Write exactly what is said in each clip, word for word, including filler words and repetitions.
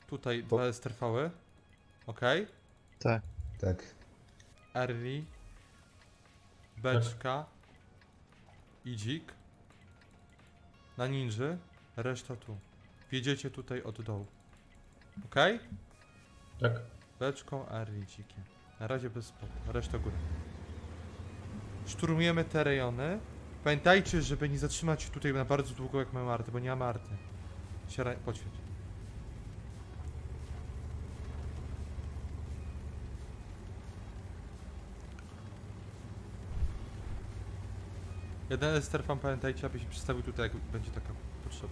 Tutaj Bo... dwa S T V-y. Okej. Tak. Tak. Early. Beczka. Idzik. Na ninży. Reszta tu. Wjedziecie tutaj od dołu. Okej? Tak. Beczką, early, dzikiem. Na razie bez spodu. Reszta góry. Szturmujemy te rejony. Pamiętajcie, żeby nie zatrzymać się tutaj na bardzo długo jak mamy arty, bo nie mamy arty. Siara, podświeć. Jeden esterfan, pamiętajcie, aby się przedstawił tutaj, jak będzie taka potrzeba.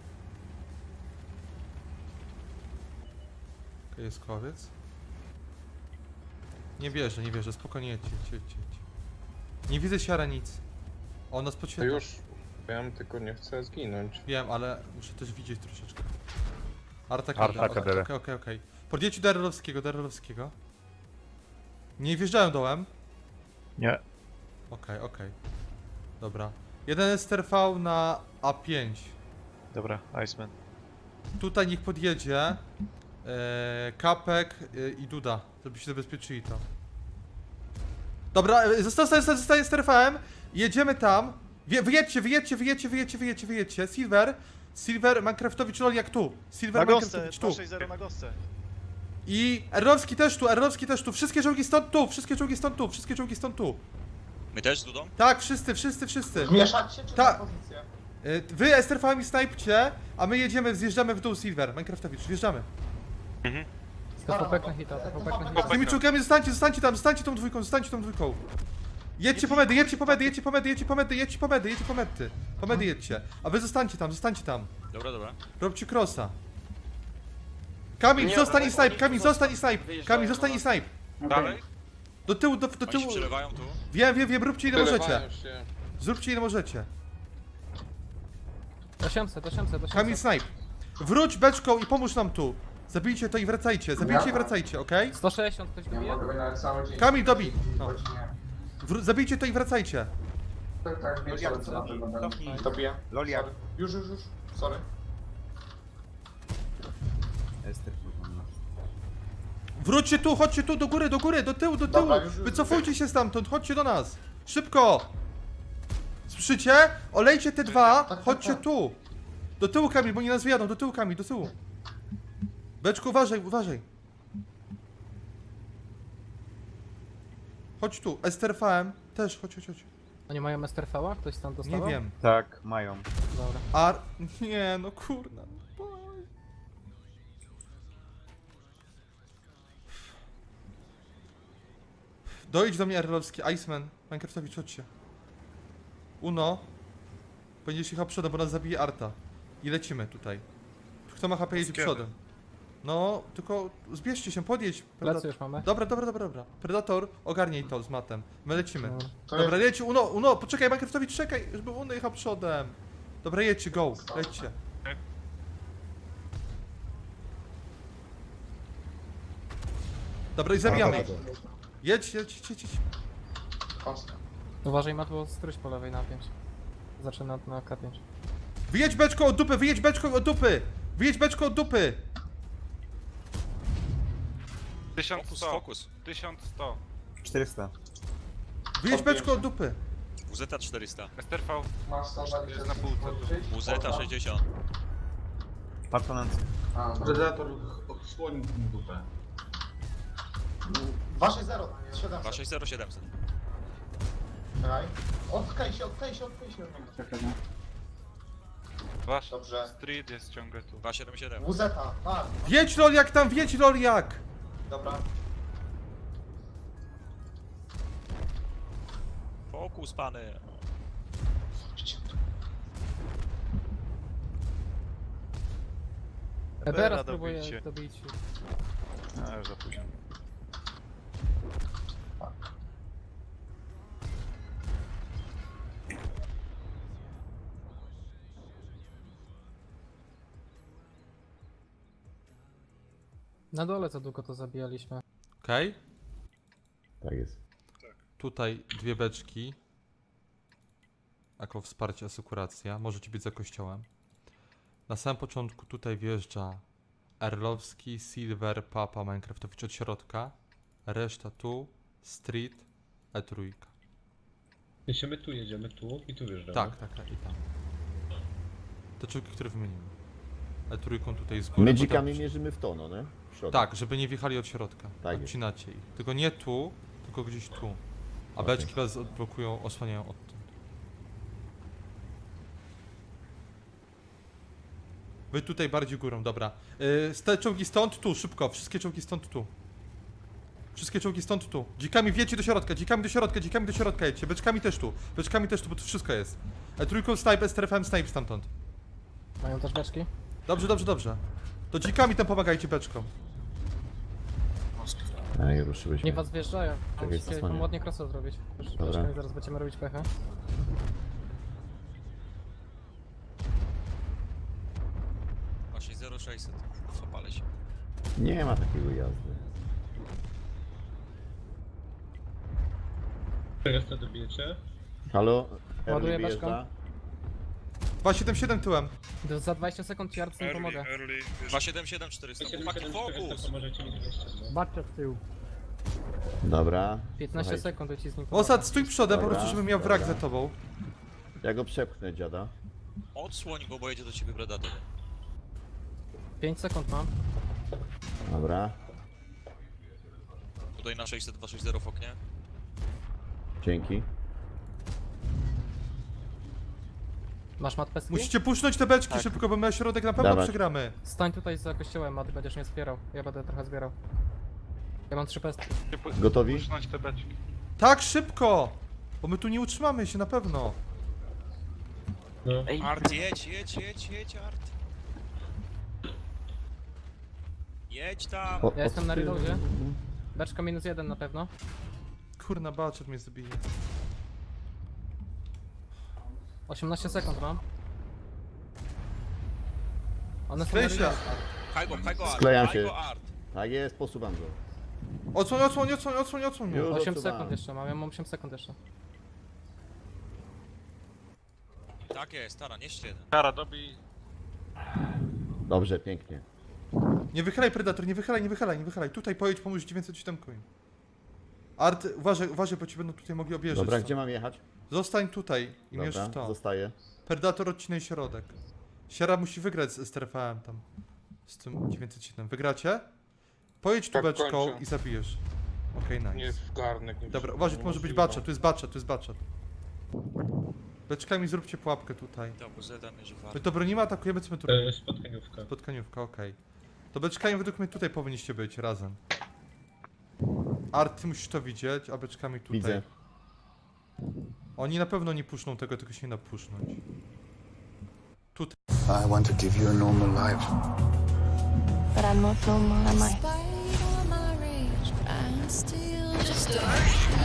Okej, jest kowiec. Nie wierzę, nie wierzę, spokojnie, jedźcie, jedźcie, jedźcie. Nie widzę siara nic. O, nas To podświetla. już wiem, tylko nie chcę zginąć. Wiem, ale muszę też widzieć troszeczkę. Arta Arta Okej, Kadere. okej, okej, okej. Podjedźcie do Erlowskiego, do Erlowskiego. Nie wjeżdżają dołem. Nie. Okej, okej. Dobra. Jeden S T V na A pięć. Dobra, Iceman. Tutaj niech podjedzie. E, Kapek e, i Duda, żeby się zabezpieczyli to. Dobra, e, zostań, zostań, zostań S T V-em. Jedziemy tam. Wie, wyjedźcie, wyjedźcie, wyjedźcie, wyjedźcie, wyjedźcie, wyjedźcie. Silver. Silver, Minecraftowicz, lol jak tu. Silver, Na gosce, Minecraftowicz tu. dwa sześć zero na gosce. I Erlowski też tu, Erlowski też tu. Wszystkie czołgi stąd tu, wszystkie czołgi stąd tu, wszystkie czołgi stąd tu. My też z Dudą? Tak, wszyscy, wszyscy, wszyscy. Mieszać się czy Ta- na pozycję? Y, Wy S T R V-ami snajpcie, a my jedziemy, zjeżdżamy w dół Silver, Minecraftowicz, wjeżdżamy. To chłopak na hita, to chłopak na Z tymi czołgami zostańcie, zostańcie tam, zostańcie tą dwójką, zostańcie tą dwójką. Jedźcie po medy, jedźcie po medy, jedźcie po medy, jedźcie po medy, jedźcie po medy, jedźcie po medy. Po medy jedźcie. A wy zostańcie tam, zostańcie tam. Dobra, dobra. Robcie crossa. Kamil, zostań i snipe, Kamil, zostań i snipe. Kamil, zostań i snipe. Dalej? Do tyłu, do, do Oni się tyłu. przelewają tu. Wiem, wiem, wiem, róbcie ile możecie. Wylewają się. Zróbcie ile możecie. osiemset, osiemset, Kamil, osiemset. snipe. Wróć beczką i pomóż nam tu. Zabijcie to i wracajcie, zabijcie i wracajcie, okej? sto sześćdziesiąt ktoś Ja dobije? mogę na cały dzień. Kamil, dobij. No. Godzinie. Wró- zabijcie to i wracajcie. Tak, tak, wiecie, co na pewno będę. Dobiję. Lolia. Sorry. Już, już, już. Sorry. Wróćcie tu, chodźcie tu, do góry, do góry, do tyłu, do tyłu. Dobra, już, już, Wycofujcie się stamtąd, chodźcie do nas. Szybko. Słyszycie? Olejcie te dwa, tak, chodźcie tak. tu. Do tyłu, Kamil, bo nie nas wyjadą, do tyłu, Kamil, do tyłu. Beczku, uważaj, uważaj. Chodź tu, S T R V-em też, chodź, chodź, chodź. Oni mają S T R V-a? Ktoś tam Nie dostawał? wiem. Tak, mają. Dobra. Ar... Nie, no kurna. Dojdź do mnie, Erlowski, Iceman, Minecraftowicz, chodźcie. Uno. Będziesz jechał przodem, bo nas zabije Arta. I lecimy tutaj. Kto ma H P jedzie Kiedy? przodem. No, tylko zbierzcie się, podjedź. Plecy już mamy. Dobra, dobra, dobra, dobra. Predator, ogarnij to z matem. My lecimy. Dobra. To Dobra, leci, Uno, Uno, poczekaj, Minecraftowicz, czekaj, żeby Uno jechał przodem. Dobra, jedźcie, go, lećcie. Dobra, i zabijamy ich. Jedź, jedź, jedź, jedź, jedź. Kostka. Uważaj, ma tu strój po lewej na pięć. Zaczyna na K pięć. Wyjedź beczką od dupy, wyjedź beczką od dupy! Wyjedź beczką od dupy! Fokus, tysiąc sto, fokus. tysiąc sto. czterysta. Wyjedź beczką od dupy! W Z czterysta. S T R V Masz sto dwadzieścia Jest na półce tu. W Z sześćdziesiąt. Patronancj. A, dobra. Predator odsłonił mu dupę. dwa sześć zero, dwa siedemset. sześć zero siedemset. Czekaj. Odklej się, odklej się, odklej się. od niego. Wasz Dobrze. street jest ciągle tu. dwa siedem siedem. W Z, tak. Wjedź Loliak tam, wjedź Loliak! Dobra. Fokus, pany. Ebera spróbuję dobić. A, już za późno. Na dole co długo to zabijaliśmy. Okej. Tak jest. Tutaj dwie beczki. Jako wsparcie, asykuracja. Możecie być za kościołem. Na samym początku tutaj wjeżdża Erlowski, Silver, Papa, Minecraftowicz od środka. Reszta tu, Street, E trójka. Jeśli my tu jedziemy, tu i tu wjeżdżamy. Tak, tak, tak, i tam. Te czołgi, które wymienimy. E trójką tutaj z góry. My potem- dzikami mierzymy w to, no nie? W środek. Tak, żeby nie wjechali od środka. Tak jest. Odcinacie ich. Tylko nie tu, tylko gdzieś tu. A Okej. beczki was odblokują, osłaniają odtąd. Wy tutaj bardziej górą, dobra. Yy, z te czołgi stąd, tu, szybko. Wszystkie czołgi stąd, tu. Wszystkie czołgi stąd, tu. Dzikami wiecie do środka, dzikami do środka, dzikami do środka jedźcie. Beczkami też tu, beczkami też tu, bo tu wszystko jest. E trójką snipe, S T R F M snipe stamtąd. Mają też beczki? Dobrze, dobrze, dobrze. To dzikami tam pomagajcie beczkom. Ej, ruszyłyśmy. Nie was wjeżdżają. Czekaj, Musicie zasłaniam. tam ładnie krosę zrobić. Już Dobra. beczkami zaraz będziemy robić pechę. Właśnie zero sześćset. Zapalę się. Nie ma takiego jazdy. czterysta dobijecie? Halo? Ładuję Erli beczką. wyjeżdża? dwa siedem siedem tyłem. Do- Za dwadzieścia sekund Yard nie pomogę. dwa siedem siedem czterysta. Chłopaki, fokus! Pomożecie mi dwieście, no. Baczcie w tył. Dobra. piętnaście Słuchajcie, sekund i ci z nim Osad, stój przodem, po Dobra, prostu, żebym miał wrak dobra. za tobą. Ja go przepchnę, dziada. Odsłoń go, bo jedzie do ciebie Predator. pięć sekund mam. Dobra. Tutaj na sześćset dwa sześćdziesiąt w oknie. Dzięki. Masz mat peski? Musicie puszczać te beczki Tak. szybko, bo my na środek na pewno Dawać. przegramy. Stań tutaj za kościołem, mat, będziesz mnie wspierał. Ja będę trochę zbierał. Ja mam trzy pestki. Gotowi? Puszczać te beczki. Tak, szybko! Bo my tu nie utrzymamy się na pewno. No. Art, jedź, jedź, jedź, jedź, Art. Jedź tam. O- Ja jestem na od- reloadzie. Beczka minus jeden na pewno. Kurna, baczet mnie zabije. osiemnaście sekund mam. One są na Sklej się. reloadzie. Pchaj go, pchaj go, Art. Sklejam Pchaj się. go, Art. Tak jest, posuwam go. Odsłoń, odsłoń, odsłoń, odsłoń, odsłoń. Już. osiem odczuwam. sekund jeszcze mam, ja mam osiem sekund jeszcze. Tak jest, Tara, nie jeden. Kara, dobij. Dobrze, pięknie. Nie wychylaj, Predator, nie wychylaj, nie wychylaj, nie wychylaj. Tutaj pojedź, pomóż dziewięćset siedem im. Art, uważaj, uważaj, bo ci będą tutaj mogli objeżdżać. Dobra, stąd. gdzie mam jechać? Zostań tutaj i mierz w Dobra, to. zostaję. Predator, odcinaj środek. Siara musi wygrać z S T R F M tam. Z tym dziewięćset siedem. Wygracie? Pojedź tu Tak, beczką kończę. i zabijesz. Okej, nice. Nie w garnek. Nie Dobra, w- uważaj, to może być niemożliwe. baczet, tu jest baczet, tu jest baczet. Beczkami zróbcie pułapkę tutaj. To Zeta mierzy My Art. to bronimy, atakujemy, co my tu robimy? E, Spotkaniówka. Spotkaniówka, okej. To beczkami według mnie tutaj powinniście być, razem. Art, ty musisz to widzieć, a beczkami tutaj. Widzę. Oni na pewno nie puszczą tego, tylko się nie da pusznąć. I want to give you a normal life. But I'm not normal, am I? Despite all my rage, I'm still just a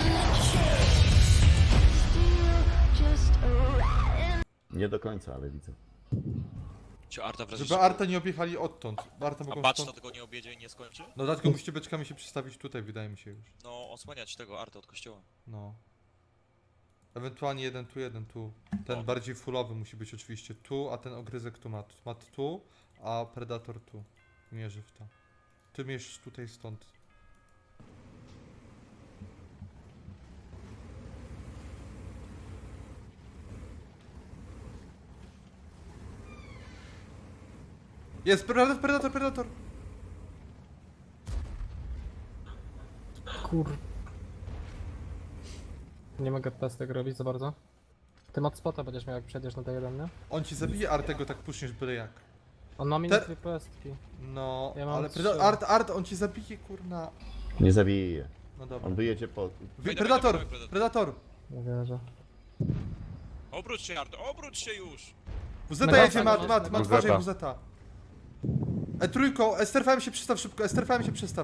Nie do końca, ale widzę. Czy Arta w razie Żeby Arta nie objechali odtąd. Bo Arta A mogą Baczta stąd... tego nie objedzie i nie skończy? No dlatego musicie beczkami się przestawić tutaj, wydaje mi się już. No, osłaniać tego Arta od kościoła. No. Ewentualnie jeden tu, jeden tu. Ten O. bardziej fullowy musi być oczywiście tu, a ten ogryzek tu ma. Mat tu, a Predator tu. Mierzy w to. Ty mierz tutaj stąd. Jest Predator, Predator, Predator! Kur... Nie mogę pestek robić za bardzo. Ty mat spota będziesz miał jak przejdziesz na D jeden, nie? On ci zabije, Artego tak puszniesz byle jak. On ma minus Te- dwie pestki. No, Ja mam ale trzy. Preda- Art, Art, on ci zabije, kurna. Nie zabiję je. No dobra. On wyjedzie po... Wy, Dawaj, Predator, dawaj, dawaj, Predator! Nie wierzę. Obróć się, Art, obróć się już! WZ Mega jedzie, mat, fajnie. mat, mat, WZ. uważaj, WZ. E trójką, S T R F M się przestaw szybko, S T R F M się przestaw.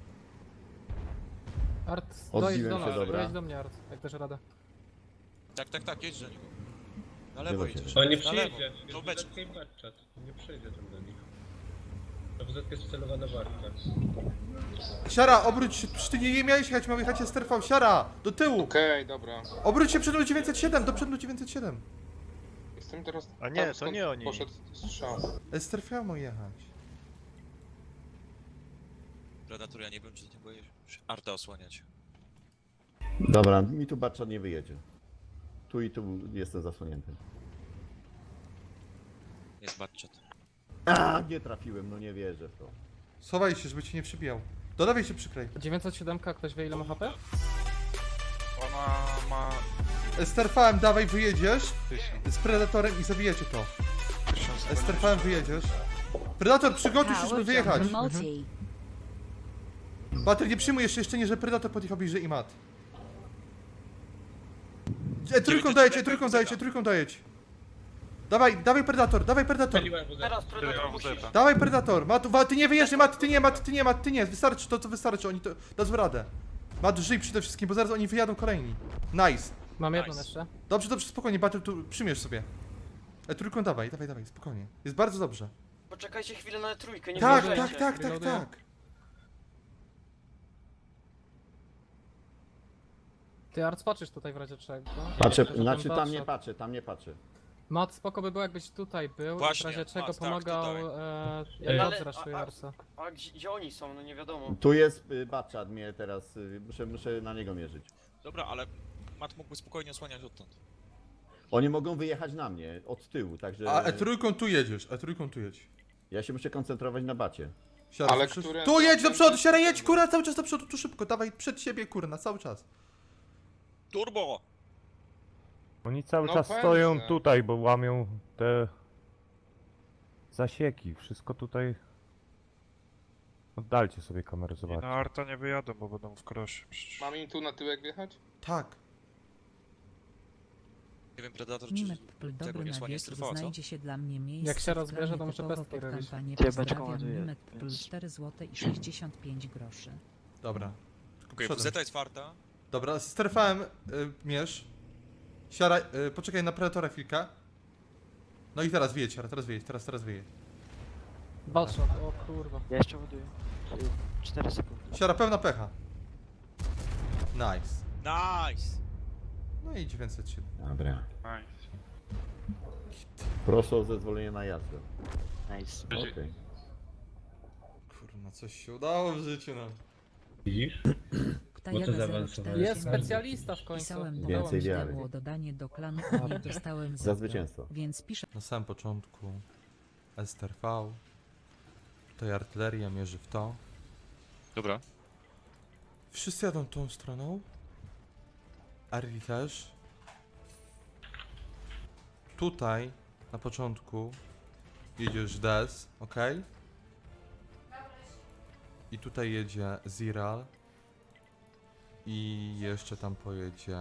Art, Odbiłem dojedź do się, nas, dobra. dojedź do mnie Art, jak dasz radę. Tak, tak, tak, jedź do niego. Na lewo Chyba się jedziesz. Ale nie Na lewo. przyjedzie. To Jest beczka. W Z i Batchat. Nie przyjedzie tam do nich. To W Z jest wcelowana w Arta. Siara, obróć się, przecież ty nie, nie miałeś jechać, miał jechać S T R F M, Siara, do tyłu. Okej, dobra. Obróć się przed dziewięćset siedem, do przodu dziewięćset siedem. Jestem teraz... A nie, tam, to skąd nie oni. Poszedł strzał. S T R F M ma jechać. Predator, ja nie wiem, czy ty nie boisz Arta osłaniać. Dobra, mi tu Batchat nie wyjedzie. Tu i tu jestem zasłonięty. Jest Batchat. A, nie trafiłem, no nie wierzę w to. Schowaj się, żeby cię nie przybijał. Do lewej się przyklej. dziewięćset siedem, ktoś wie ile ma H P? Ona ma Esterfałem, dawaj, wyjedziesz tysiąc. z Predatorem i zabijecie to. tysiąc Esterfałem, wyjedziesz. Predator, przygotuj się, żeby wyjechać. Bater, nie przyjmuj jeszcze, jeszcze nie, że Predator podjechał bliżej i mat. E, trójką dajecie, e, trójką dajecie, trójką dajecie. Dawaj, dawaj Predator, dawaj Predator. Paliłem W Z. Teraz Tyle Predator mam musisz. zeta. Dawaj Predator, Mat, wa, ty nie wyjeżdżaj, Mat, ty nie, Mat, ty nie, Mat, ty nie, wystarczy to, co wystarczy, oni to, dadzą radę. Mat, żyj przede wszystkim, bo zaraz oni wyjadą kolejni. Nice. Mam jedną Nice. jeszcze. Dobrze, dobrze, spokojnie, Battle, tu przymiesz sobie. E, trójką dawaj, dawaj, dawaj, spokojnie. Jest bardzo dobrze. Poczekajcie chwilę na trójkę, nie Tak, wyjeżdżajcie. tak, tak, tak, Reloaduję. tak. Ty Art, patrzysz tutaj w razie czego. Patrzę, Że ten znaczy tam nie Batchat- patrzę, tam nie patrzę. Mat, spoko by było jakbyś tutaj był, Właśnie, w razie czego Mat, tak, pomagał, tutaj. e, Ale- jak odzraszuje a- a- Arsa. A gdzie, gdzie oni są? No nie wiadomo. Tu jest y, Batchat, mnie teraz, y, muszę, muszę na niego mierzyć. Dobra, ale Mat mógłby spokojnie osłaniać odtąd. Oni mogą wyjechać na mnie, od tyłu, także A E trójką tu jedziesz, E trójką tu jedź. ja się muszę koncentrować na bacie. Siara, Ale słyszysz? które- Tu jedź do przodu, siara, jedź, kurna, cały czas do przodu, tu szybko, dawaj przed siebie, kurna, cały czas. Turbo! Oni cały No czas pewnie. stoją tutaj, bo łamią te zasieki. Wszystko tutaj. Oddalcie sobie kamerę, I zobaczcie. na Arta nie wyjadą, bo będą w krosie. przecież. Mam im tu na tyłek wjechać? Tak. Nie wiem, Predator czy Mimek tego Pl, nie dobry na osłania wieczór, strefa, co? znajdzie się dla mnie miejsce. Jak się w rozbierze, planie to muszę typowo pestki pod robić. kampanię. Ciebie Pozdrawiam, ładuję. Mimek Pl, cztery złote i sześćdziesiąt pięć groszy. Dobra. Tylko Okej, przodem. Zeta jest farta. Dobra, sterfałem y, mierz. Siara, y, poczekaj na Predatora chwilkę. No i teraz wyjedź, siara, teraz wyjedź, teraz, teraz wyjedź. Batshot, o kurwa. Ja jeszcze ładuję. cztery sekundy. Siara, pełna pecha. Nice. Nice! No i dziewięćset siedem. Dobra. Nice. Proszę o zezwolenie na jazdę. Nice. Okej. Kurna, coś się udało w życiu nam. Widzisz? Ptajaga Bo to zero zaawansowałeś. cztery Jest specjalista w końcu. Pisałem do Więcej kogoś, wiary. było dodanie do klanu, a nie dostałem Za zeta. zwycięstwo. Więc piszę Na samym początku S T R V. Tutaj artyleria mierzy w to. Dobra. Wszyscy jadą tą stroną. Arli też. Tutaj na początku jedziesz Des, ok? I tutaj jedzie Ziral. I jeszcze tam pojedzie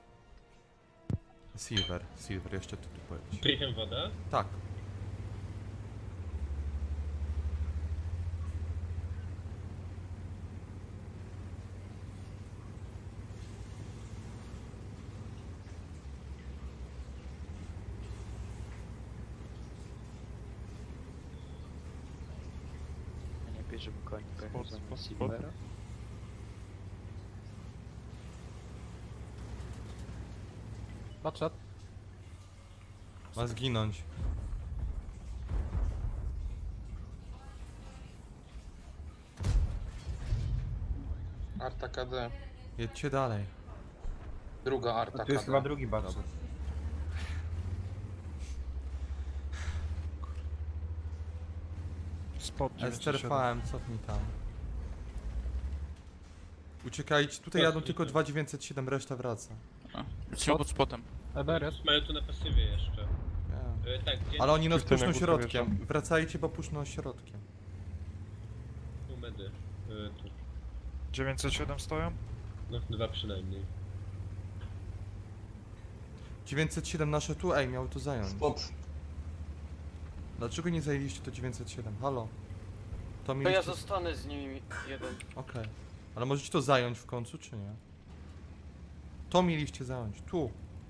Silver. Silver jeszcze tu, tu pojedzie. Krychem woda? Tak. Nie bierzemy koni, Spot, spot, spot. Batshot. Ma zginąć. Arta K D. Jedźcie dalej. Druga Arta To jest K chyba D. drugi batch. Spot Esterfałem, cofnij tam. Uciekajcie, tutaj jadą tylko dwa dziewięćset siedem, reszta wraca. Trzeba pod spotem. Eberes. Mają tu na pasywie jeszcze. Nie. E, tak, gdzie Ale oni nas Wszyscy puszczą na górę środkiem. Wracajcie, bo puszczą środkiem. tu medy. E, tu. dziewięćset siedem stoją? No, dwa przynajmniej. dziewięćset siedem nasze tu, ej, miały to zająć. Spot. Dlaczego nie zajęliście to dziewięćset siedem? Halo? To To ja mieliście... zostanę z nimi jeden. Okej. Ale możecie to zająć w końcu, czy nie? To mieliście zająć, tu.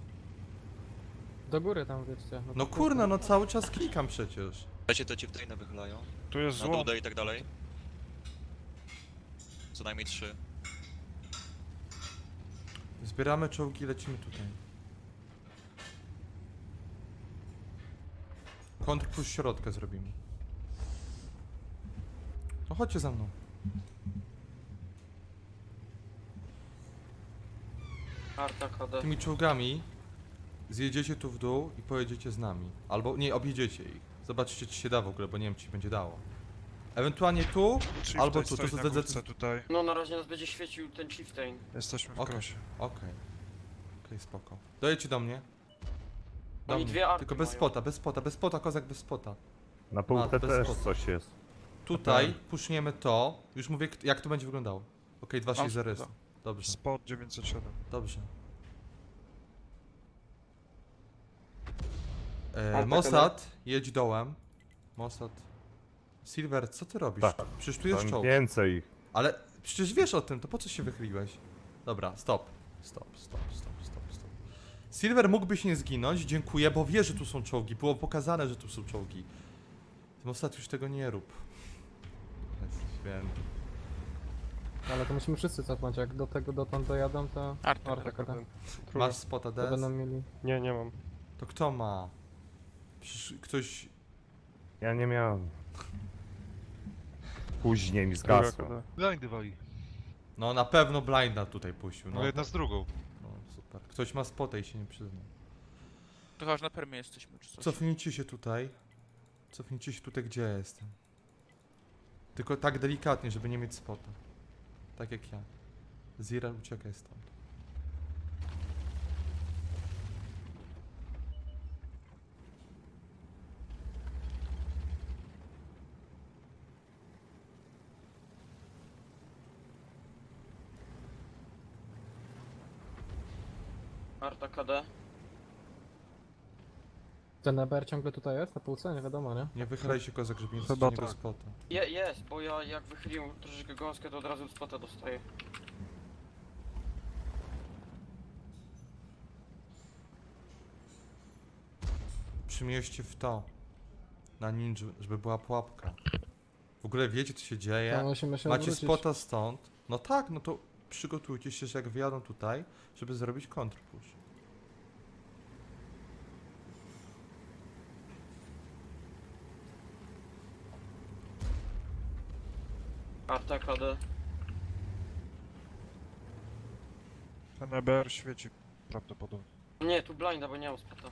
Do góry tam wiecie. No kurna, no cały czas klikam przecież. Lecie to ci w trainę wychylają. Tu jest Na zło. dudę i tak dalej. Co najmniej trzy. Zbieramy czołgi, lecimy tutaj. Kontrpush środka zrobimy. No chodźcie za mną. Arta K D. tymi czołgami zjedziecie tu w dół i pojedziecie z nami. Albo nie, objedziecie ich. Zobaczycie, czy się da w ogóle, bo nie wiem, czy się będzie dało. Ewentualnie tu, albo tu. To, to, to, to, tutaj. No na razie nas będzie świecił ten Chieftain. Jesteśmy w Okej. krosie. Okej. Okej, spoko. Dojedźcie do mnie. Do Oni mnie. dwie arty Tylko bez mają. spota, bez spota, bez spota, kozak bez spota. Na półce bez też spodu. coś jest. Tutaj puszniemy to. Już mówię, k- jak to będzie wyglądało. Okej, dwa sześć zero Mam jest. Dobrze, Spot dziewięćset siedem. dobrze. E, Arta Mossad, jedź dołem. Mossad. Silver, co ty robisz? Tak. Przecież tu jest Tam czołg. więcej ich. Ale przecież wiesz o tym, to po co się wychyliłeś? Dobra, stop. Stop, stop, stop, stop, stop. Silver mógłbyś nie zginąć, dziękuję, bo wie, że tu są czołgi. Było pokazane, że tu są czołgi. Mossad, już tego nie rób. Jest święty. Ale to musimy wszyscy cofnąć, jak do tego dotąd dojadą, to... Arta Arta K D. Masz spota To będą D S? mieli... Nie, nie mam. To kto ma? Przecież ktoś... Ja nie miałem. Później mi zgasło. Blindy wali. No na pewno blinda tutaj puścił, no. jedna z drugą. No super. Ktoś ma spota i się nie przyzna. To chyba, że na permie jesteśmy, czy coś. Cofnijcie się tutaj. Cofnijcie się tutaj, gdzie ja jestem. Tylko tak delikatnie, żeby nie mieć spota. Tak jak ja. Zira, uciekaj stąd. Arta K D. Ten E B R ciągle tutaj jest, na półce? Nie wiadomo, nie? Nie wychylaj się, kozak, żeby nie Chyba stracić tak. spota. Je, jest, bo ja jak wychyliłem troszeczkę gąskę, to od razu spota dostaję. Przymieście w to. Na ninja, żeby była pułapka. W ogóle wiecie, co się dzieje? To musimy się Macie odwrócić. spota stąd. No tak, no to przygotujcie się, że jak wyjadą tutaj, żeby zrobić kontrpush. Arta K D. Ten E B R świeci prawdopodobnie. Nie, tu blinda, bo nie mam spota.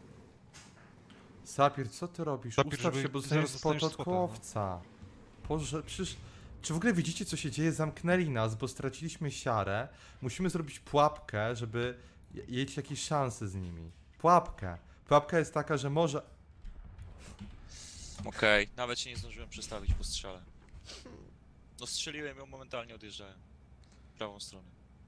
Sapir, co ty robisz? Sapir, Ustaw żeby się, bo zaraz dostaniesz spot dostaniesz od spota, no. kołowca. Boże, przecież... Czy w ogóle widzicie, co się dzieje? Zamknęli nas, bo straciliśmy siarę. Musimy zrobić pułapkę, żeby je- mieć jakieś szanse z nimi. Pułapkę. Pułapka jest taka, że może... Okej, nawet się nie zdążyłem przestawić po strzale. No strzeliłem ją, momentalnie odjeżdżałem. W prawą stronę.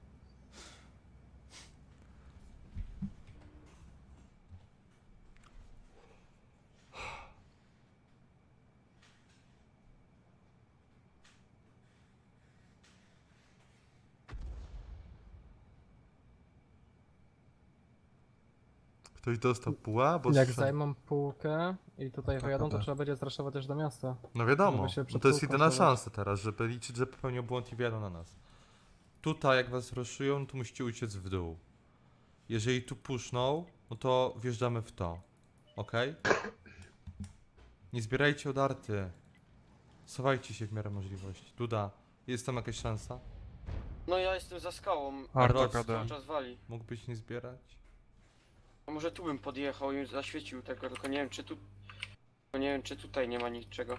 Ktoś dostał puła, bo... Jak strzel- zajmą półkę i tutaj Tak, wyjadą, to tak. trzeba będzie zraszować też do miasta. No wiadomo, żeby się no przed to jest półką jedyna schować. szansa teraz, żeby liczyć, że popełnią błąd i wjadą na nas. Tutaj jak was ruszują, to musicie uciec w dół. Jeżeli tu puszną, no to wjeżdżamy w to. Okej? Nie zbierajcie odarty. Sowajcie się w miarę możliwości. Duda, jest tam jakaś szansa? No ja jestem za skałą. Arta Arta K D. cały czas wali. Mógłbyś nie zbierać? A może tu bym podjechał i zaświecił tego, tylko nie wiem czy tu... Tylko nie wiem czy tutaj nie ma niczego.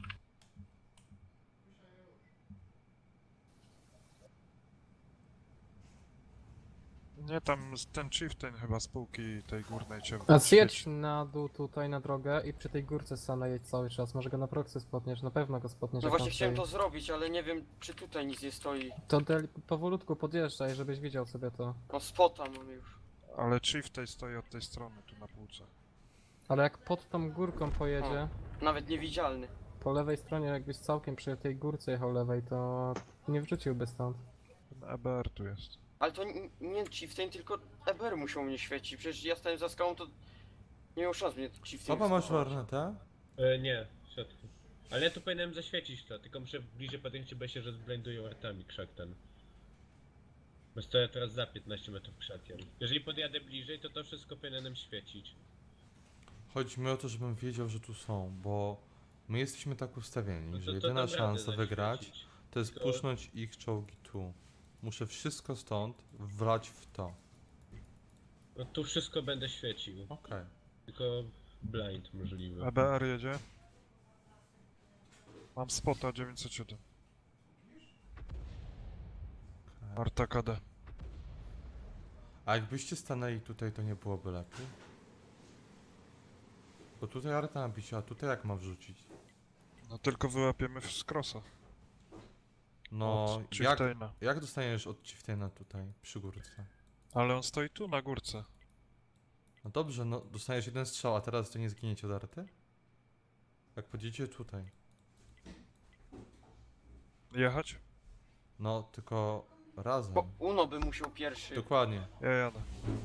Nie, tam z- ten chieftain chyba z półki tej górnej cię A zjedź na dół tutaj na drogę i przy tej górce Sana jedź cały czas. Może go na proxy spotniesz, na pewno go spotniesz. No jak właśnie tam chciałem stoi. to zrobić, ale nie wiem czy tutaj nic nie stoi. To del- powolutku podjeżdżaj, żebyś widział sobie to. No spota mam już. Ale chieftain stoi od tej strony, tu na półce. Ale jak pod tą górką pojedzie, Nawet niewidzialny. po lewej stronie jakbyś całkiem przy tej górce jechał lewej, to nie wrzuciłby stąd. Ten E B R tu jest. Ale to n- nie Chieftain, tylko E B R musiał mnie świecić. Przecież ja stałem za skałą, to nie miał szans mnie Chieftain Oba masz wskazać. lornetę? E, nie, w środku. Ale ja tu powinienem zaświecić to, tylko muszę bliżej podejść, bo się rozblendują artami krzak ten. Bo stoję teraz za piętnaście metrów krzakiem. Jeżeli podjadę bliżej, to to wszystko powinienem świecić. Chodzi mi o to, żebym wiedział, że tu są, bo my jesteśmy tak ustawieni, No to- że to jedyna dam radę szansa wygrać zaświecić. to jest Tylko- pusznąć ich czołgi tu. Muszę wszystko stąd wlać w to. No tu wszystko będę świecił. Okej. Tylko blind możliwy. E B R jedzie. Mam spota dziewięćset siedem. Arta K D. A jakbyście stanęli tutaj, to nie byłoby lepiej? Bo tutaj Arta napisze, a tutaj jak mam wrzucić? No tylko wyłapiemy z crossa. No, Od jak, Chieftaina. jak dostaniesz od Chieftaina tutaj, przy górce? Ale on stoi tu na górce. No dobrze, no dostaniesz jeden strzał, a teraz to nie zginiecie od Arty? Jak podjedziecie tutaj. Jechać? No, tylko razem. Bo Uno by musiał pierwszy. Dokładnie. Ja jadę.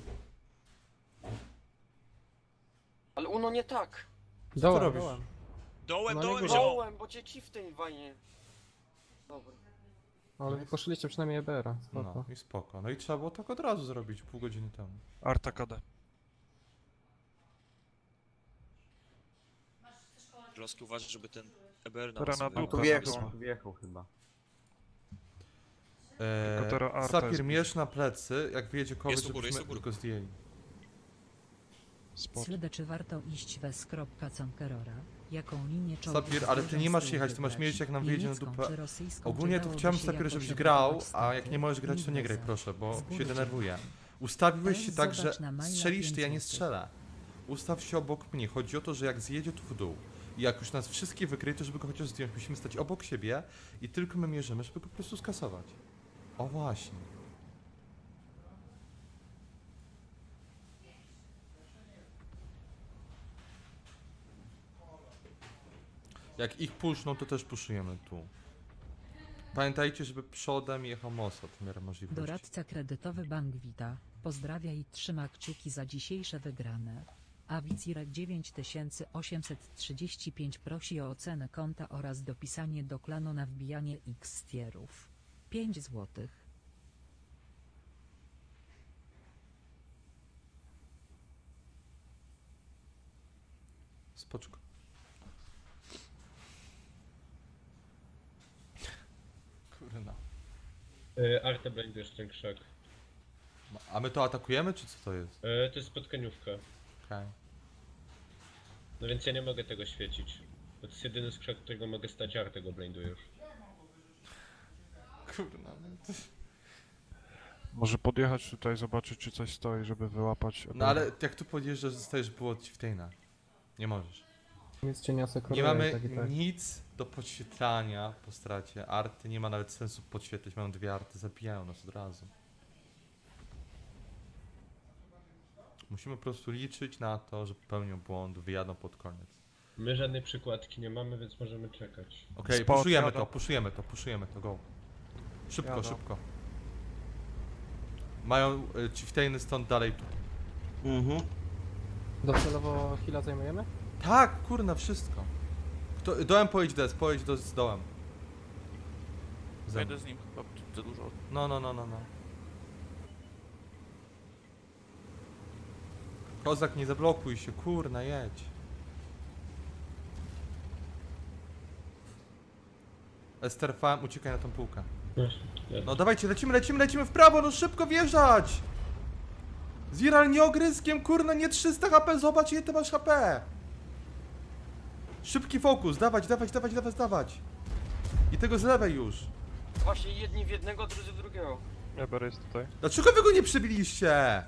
Ale Uno nie tak. Dołem, robisz? dołem. Dołem, No nie dołem, górę. zioło! Dołem, bo cię Chieftain wajnie. Dobra. Ale wy poszliście przynajmniej E B R-a. No Spoko. i spoko. No i trzeba było tak od razu zrobić, pół godziny temu. Arta K D. Kloski uważaj, żeby ten E B R Teraz na sobie- dupę. Tu wjechał, tu wjechał chyba. Eee, Tylko teraz Arta Sapir, jest mierz na plecy, jak wyjedzie kogoś, Jest u góry, jest żebyśmy u góry. go zdjęli. Slede, Spot. czy warto iść wes. Conquerora? Jaką linię czołgów Sapir, ale ty zderzą nie z masz tyłu jechać, ty masz wybrać? mieć jak nam wyjedzie na Niemiecką dupę. czy rosyjską, Ogólnie czy to dałoby chciałem się Sapir, jakoś żebyś obrabować grał, a stopy? jak nie możesz grać, to nie graj, Inweza. proszę, bo Z się góry denerwuję. cię. Ustawiłeś Teraz się tak, że zobacz na maila strzelisz ty, ja nie pięć strzelę. Ustaw się obok mnie. Chodzi o to, że jak zjedzie tu w dół i jak już nas wszystkie wykryje, to żeby go chociaż zdjąć, musimy stać obok siebie i tylko my mierzymy, żeby go po prostu skasować. O właśnie. Jak ich puszczą, to też puszujemy tu. Pamiętajcie, żeby przodem jechał Mossad w miarę możliwości. Doradca kredytowy Bank Wita pozdrawia i trzyma kciuki za dzisiejsze wygrane. A Wicirek dziewięć tysięcy osiemset trzydzieści pięć prosi o ocenę konta oraz dopisanie do klanu na wbijanie X tierów. pięć złotych. Spoczko. Kurna. Yy, Artę blindujesz ten krzak. A my to atakujemy, czy co to jest? Yy, to jest spotkaniówka. Okej. No więc ja nie mogę tego świecić. To jest jedyny skrzak, którego mogę stać, Artę go blindujesz. Kurna. no to- Może podjechać tutaj, zobaczyć czy coś stoi, żeby wyłapać. E B R. No ale jak tu podjeżdżasz, zostajesz było od Chieftaina. Nie możesz. Nic cię nie asekuruje. Nie mamy tak i tak. nic do podświetlania po stracie. Arty nie ma nawet sensu podświetlić. Mamy dwie arty, zabijają nas od razu. Musimy po prostu liczyć na to, że popełnią błąd, wyjadą pod koniec. My żadnej przykładki nie mamy, więc możemy czekać. Okej, Spot, puszujemy jadą. to, puszujemy to, puszujemy to, go. Szybko, Jadą. szybko. Mają y, Chieftainy stąd dalej tu. Mhm. Docelowo Hila zajmujemy? Tak, kurna, wszystko. Kto, dołem pojedź des, pojedź do, z dołem. Ze mną. z nim chyba za dużo. No, no, no, no, no. Kozak, nie zablokuj się, kurna, jedź. Ester Farm, uciekaj na tą półkę. No dawajcie, lecimy, lecimy, lecimy w prawo, no szybko wjeżdżać! Ziral, nie ogryskiem, kurna, nie trzysta H P, zobacz ile ty masz H P! Szybki fokus, dawać, dawać, dawać, dawać, dawać! I tego z lewej już. Właśnie jedni w jednego, drudzy w drugiego. E B R jest tutaj. Dlaczego wy go nie przybiliście?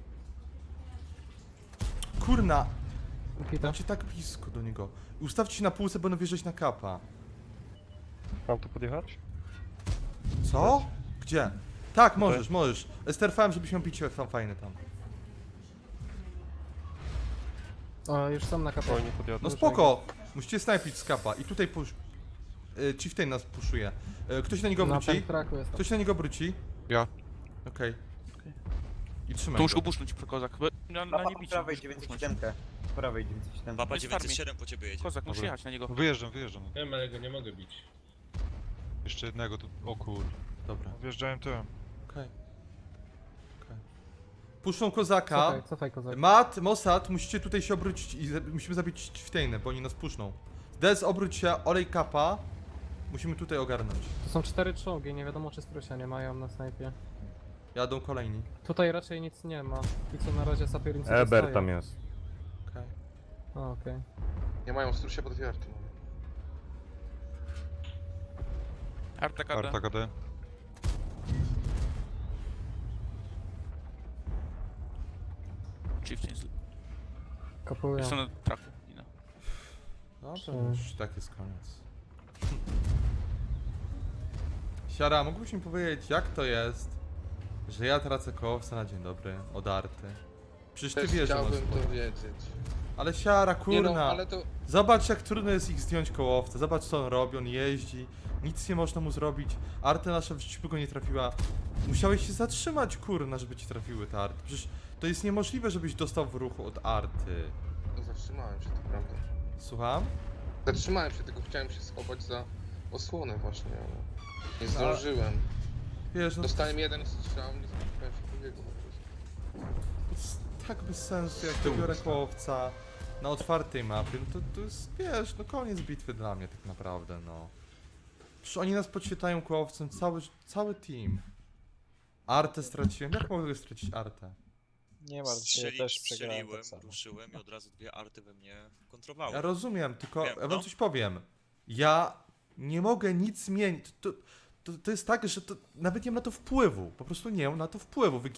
Kurna, Hita. macie tak blisko do niego. Ustawcie się na półce, będą wjeżdżać na kapa. Mam tu podjechać? Co? Gdzie? Tak, możesz, możesz. Sterfałem, żebyś miał bicie tam fajne tam. O, już są na kapelę. nie podjadę. No spoko! Musicie snajpić z kapa i tutaj push... Y, Chieftain nas puszuje. Y, ktoś na niego Na obróci? traku jest. Ktoś na niego obróci? Ja. Okej. I trzymaj To muszę go. go puszczać, kozak. Na, na nie bicie. prawej dziewięćdziesiąt siedem. Po prawej dziewięćdziesiąt siedem. Papa jest farming. dziewięćset siedem po ciebie jedzie. Kozak, muszę jechać na niego. Wyjeżdżam, wyjeżdżam. Wiem, ale go nie mogę bić. Jeszcze jednego tu. O kur. Dobra, Wjeżdżałem tyłem. okej. Okej. Puszczą kozaka. Cofaj, cofaj kozak. Mat, Mossad, musicie tutaj się obrócić i za- musimy zabić Chieftainę, bo oni nas puszczą. Des, obróć się, olej kapa. Musimy tutaj ogarnąć. To są cztery czołgi, nie wiadomo czy strusia nie mają na snajpie. Jadą kolejni. Tutaj raczej nic nie ma. I co na razie Sapierin Eber tam jest. Okej. A, okej. Nie mają strusia pod dwie arty. Arta K D. Arta K D. Chieftain z... Kapują. Jest na traku. Ina. Dobrze, Trzy. już tak jest koniec. Siara, mógłbyś mi powiedzieć, jak to jest, że ja tracę kołowca na dzień dobry od Arty? Przecież ty wiesz, że masz sporo. wiedzieć. Ale Siara, kurna, Nie no, ale to... zobacz jak trudno jest ich zdjąć kołowca, zobacz co on robi, on jeździ, nic nie można mu zrobić, Arta nasza w życiu by go nie trafiła. Musiałeś się zatrzymać, kurna, żeby ci trafiły te Arty. Przecież to jest niemożliwe, żebyś dostał w ruchu od Arty. No, zatrzymałem się, to prawda. Słucham? Zatrzymałem się, tylko chciałem się schować za osłonę właśnie, ale nie A- zdążyłem. Wiesz, no Dostałem jeden strzał, nie spodziewałem się drugiego po prostu. to jest tak bez sensu, jak to biorę kołowca na otwartej mapie, no to, to jest, wiesz, no koniec bitwy dla mnie tak naprawdę, no. Przecież oni nas podświetlają kołowcem, cały, cały team. Artę straciłem, jak mogę stracić Artę? Nie Strzeli, strzeliłem, ruszyłem i od razu dwie arty we mnie kontrowały. Ja rozumiem, tylko Wiem, ja wam no. coś powiem. Ja nie mogę nic zmienić, to, to, to jest tak, że to, nawet nie mam na to wpływu, po prostu nie mam na to wpływu. Wy